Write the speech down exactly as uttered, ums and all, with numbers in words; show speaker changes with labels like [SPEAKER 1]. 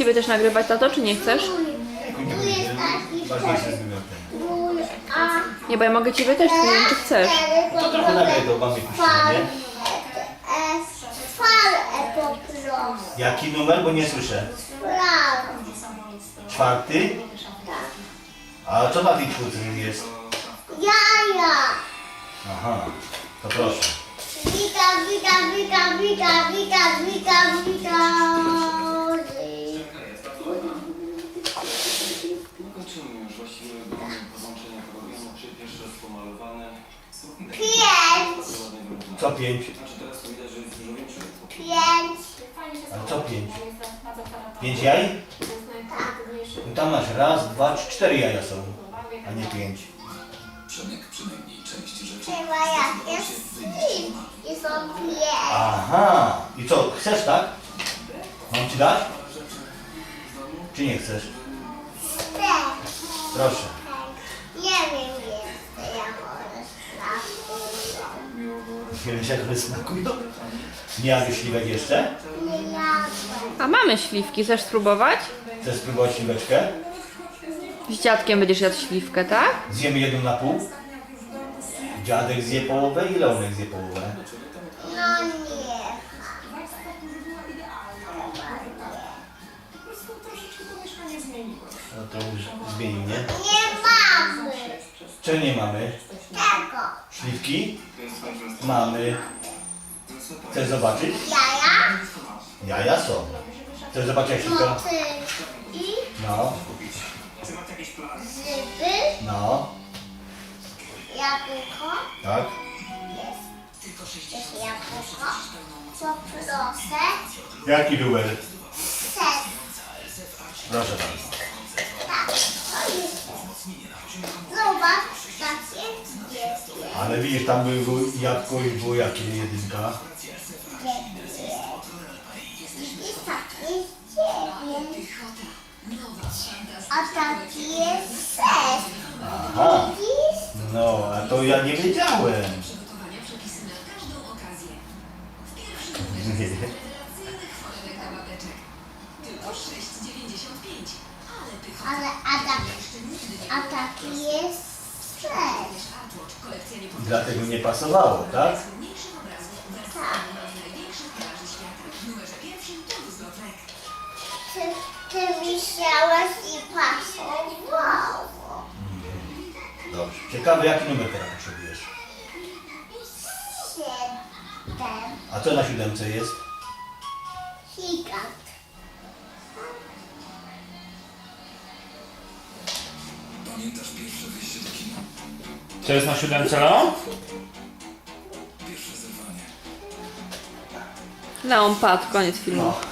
[SPEAKER 1] Ciebie też nagrywać, tato, czy nie chcesz?
[SPEAKER 2] Tu jest taki
[SPEAKER 3] Ważniejsze z wymiotem.
[SPEAKER 2] ból, a
[SPEAKER 1] Nie, bo ja mogę Ciebie też, nie wiem, czy chcesz.
[SPEAKER 3] To trochę nagraj to mamy puścimy,
[SPEAKER 2] fal,
[SPEAKER 3] nie?
[SPEAKER 2] e, fal, e, po prostu.
[SPEAKER 3] Jaki numer? Bo nie słyszę.
[SPEAKER 2] Fal.
[SPEAKER 3] Czwarty? A co na tej czwórce jest?
[SPEAKER 2] Jaja.
[SPEAKER 3] Aha, to proszę.
[SPEAKER 2] Wika, wika, wika, wika, wika, wika, wika.
[SPEAKER 4] Kończymy już właściwie podłączenia programu, czyli pierwszy raz pomalowane.
[SPEAKER 2] Pięć.
[SPEAKER 3] Co pięć?
[SPEAKER 4] Znaczy teraz to widać, że jest dużo większy.
[SPEAKER 2] Pięć.
[SPEAKER 3] A co pięć? Pięć jaj? No tam masz raz, dwa, trzy, cztery jaja są, a nie pięć.
[SPEAKER 5] Przemek przynajmniej część rzeczy
[SPEAKER 2] Chyba jak jest slip. I są pięć.
[SPEAKER 3] Aha, i co, chcesz tak? Mam ci dać? Czy nie chcesz?
[SPEAKER 2] Chcę.
[SPEAKER 3] Proszę.
[SPEAKER 2] Nie wiem jeszcze jak one smakują.
[SPEAKER 3] Nie wiesz, jak one smakują? Nie jadłeś śliwek jeszcze?
[SPEAKER 2] Nie jadłem.
[SPEAKER 1] A mamy śliwki, chcesz spróbować?
[SPEAKER 3] Chcesz spróbować śliweczkę?
[SPEAKER 1] Z dziadkiem będziesz jadł śliwkę, tak?
[SPEAKER 3] Zjemy jedną na pół? Dziadek zje połowę i Leonek zje połowę.
[SPEAKER 2] No nie.
[SPEAKER 3] No to już zmienił, nie?
[SPEAKER 2] Nie mamy
[SPEAKER 3] Czego nie mamy?
[SPEAKER 2] tego.
[SPEAKER 3] Śliwki? Mamy. Chcesz zobaczyć?
[SPEAKER 2] Jaja,
[SPEAKER 3] Jaja są. Chcesz zobaczyć jak śliwka?
[SPEAKER 2] motylki,
[SPEAKER 3] No,
[SPEAKER 2] grzyby,
[SPEAKER 3] no,
[SPEAKER 2] jabłko.
[SPEAKER 3] tak.
[SPEAKER 2] Jest, jest jabłko. Poproszę.
[SPEAKER 3] Jaki numer?
[SPEAKER 2] Ser.
[SPEAKER 3] Proszę bardzo.
[SPEAKER 2] Tak, to jest ser. Zobacz, takie jest.
[SPEAKER 3] Ale widzisz, tam było jabłko i było jakie jedynka.
[SPEAKER 2] Widzisz, taki jest dziewięć. A taki jest ser.
[SPEAKER 3] Aha,
[SPEAKER 2] Widzisz?
[SPEAKER 3] no, a to ja nie wiedziałem.
[SPEAKER 6] Przygotowania przepisy na każdą okazję. W pierwszym numerze rewelacyjnych formek na babeczek. Tylko sześć dziewięćdziesiąt pięć. Ale pychota.
[SPEAKER 2] Ale a, tak,
[SPEAKER 6] Jeszcze nigdy nie
[SPEAKER 2] a taki jest ser.
[SPEAKER 6] wiesz, Artwatch, kolekcja niepowtarzalnych
[SPEAKER 3] Dlatego nie pasowało, tak?
[SPEAKER 6] najsłynniejszych obrazów w wersji największych plaży świata. W numerze pierwszym to Luzlotrek.
[SPEAKER 2] Ty, ty myślałeś i pasowało.
[SPEAKER 3] Dobrze. Ciekawe, jaki numer teraz potrzebujesz?
[SPEAKER 2] Siedem.
[SPEAKER 3] A co na siódemce jest?
[SPEAKER 2] Gigant.
[SPEAKER 5] pamiętasz pierwsze wyjście do kina?
[SPEAKER 7] Co jest na siódemce, Leo?
[SPEAKER 5] Pierwsze zerwanie.
[SPEAKER 1] Leon padł, koniec filmu.
[SPEAKER 3] No.